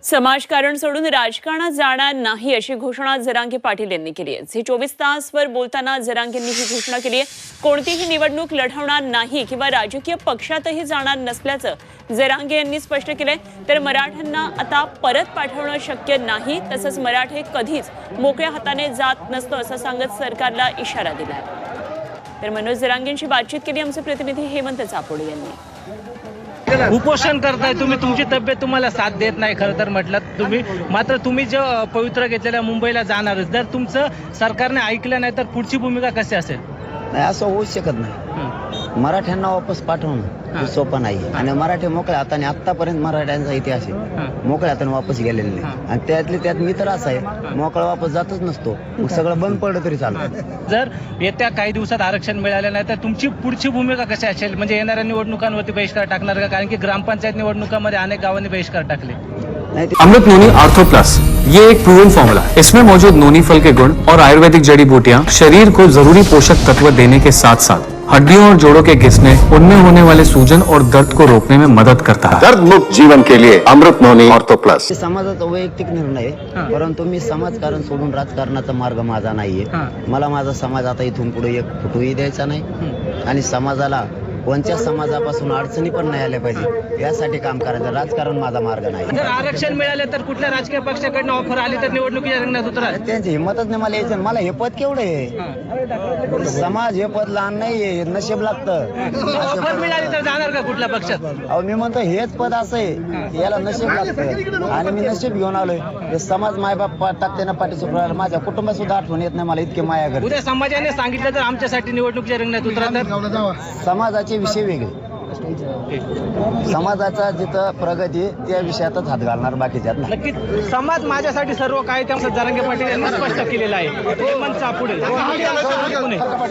समाजकारण सोडून राजकारणात जाणार नाही अशी घोषणा जरांगे पाटील यांनी केली आहे। झी 24 तासवर बोलताना जरांगेंनी ही घोषणा केली आहे। कोणतीही निवडणूक लढवणार नाही किंवा राजकीय पक्षातही जाणार नसल्याचं जरांगे यांनी स्पष्ट केलंय। तर मराठ्यांना आता परत पाठवणं शक्य नाही, तसंच मराठे कधीच मोकळ्या हाताने जात नसतो असं सांगत सरकारला इशारा दिलाय। तर मनोज जरांगेंशी बातचीत केली आमचे प्रतिनिधी हेमंत चापोडे यांनी। उपोषण करताय तुम्ही, तुमची तब्येत तुम्हाला साथ देत नाही खरं तर म्हटलं तुम्ही, मात्र तुम्ही जे पवित्र घेतलेल्या मुंबईला जाणारच, जर तुमचं सरकारने ऐकलं नाही तर पुढची भूमिका कशी असेल? नाही, असं होऊच शकत नाही। मराठ्यांना वापस पाठवणं सोपं नाही आणि मराठी मोकळ्या हाताने आतापर्यंत मराठ्यांचा इतिहास आहे, मोकळ्या हाताने वापस गेलेले नाही आणि त्यातले त्यात मी तर असं आहे, मोकळा वापस जातच नसतो, मग सगळं बंद पडलं तरी चालतं। जर येत्या काही दिवसात आरक्षण मिळालं नाही तर तुमची पुढची भूमिका कशी असेल? म्हणजे येणाऱ्या निवडणुकांवरती बहिष्कार टाकणार का? कारण की ग्रामपंचायत निवडणुकांमध्ये अनेक गावांनी बहिष्कार टाकले। अमृत नोनी आर्थो प्लस, ये एक प्रूवन फॉर्मूला है। इसमें मौजूद नोनी फल के गुण और आयुर्वेदिक जड़ी बूटियां शरीर को जरूरी पोषक तत्व देने के साथ साथ हड्डियों और जोड़ों के घिसने, उनमें होने वाले सूजन और दर्द को रोकने में मदद करता है। दर्द मुक्त जीवन के लिए अमृत नोनी आर्थो प्लस। समाजाचा वैयक्तिक निर्णय आहे, परंतु मी समाजकारण सोडून राजकारणाचा मार्ग माझा नाहीये। मला माझा समाज आता इथून पुढे एक फुटूही द्यायचा नाही आणि समाजाला कोणत्या समाजापासून अडचणी पण नाही आल्या पाहिजे यासाठी काम करायचं। राजकारण माझा मार्ग नाही। जर आरक्षण मिळाले तर कुठल्या राजकीय पक्षाकडनं ऑफर आली तर निवडणुकीच्या रिंगणात उतरा? त्यांची हिंमतच नाही मला यायचं। मला हे पद केवढं आहे? समाज हे पद लहान नाहीये, नशीब लागतं। ऑफर मिळाली तर जाणार का कुठल्या पक्षात? अहो मी म्हणतो हेच पद असं आहे, याला नशीब लागतं आणि मी नशीब घेऊन आलोय। हे समाज मायबाप टाकते ना पाठीसुद्धा, माझ्या कुटुंबात सुद्धा आठवण येत नाही मला, इतके माया करते। उद्या समाजाने सांगितलं तर आमच्यासाठी निवडणुकीच्या रिंगणात उतरा तर? समाजाचे विषय वेगळे, समाजाचा जिथं प्रगती त्या विषयातच हात घालणार, बाकीच्यात नाही। नक्कीच समाज माझ्यासाठी सर्व काय, त्यामुळे जरांगे पाटील यांनी स्पष्ट केलेलं आहे। हेमंत चापोडे, पुणे।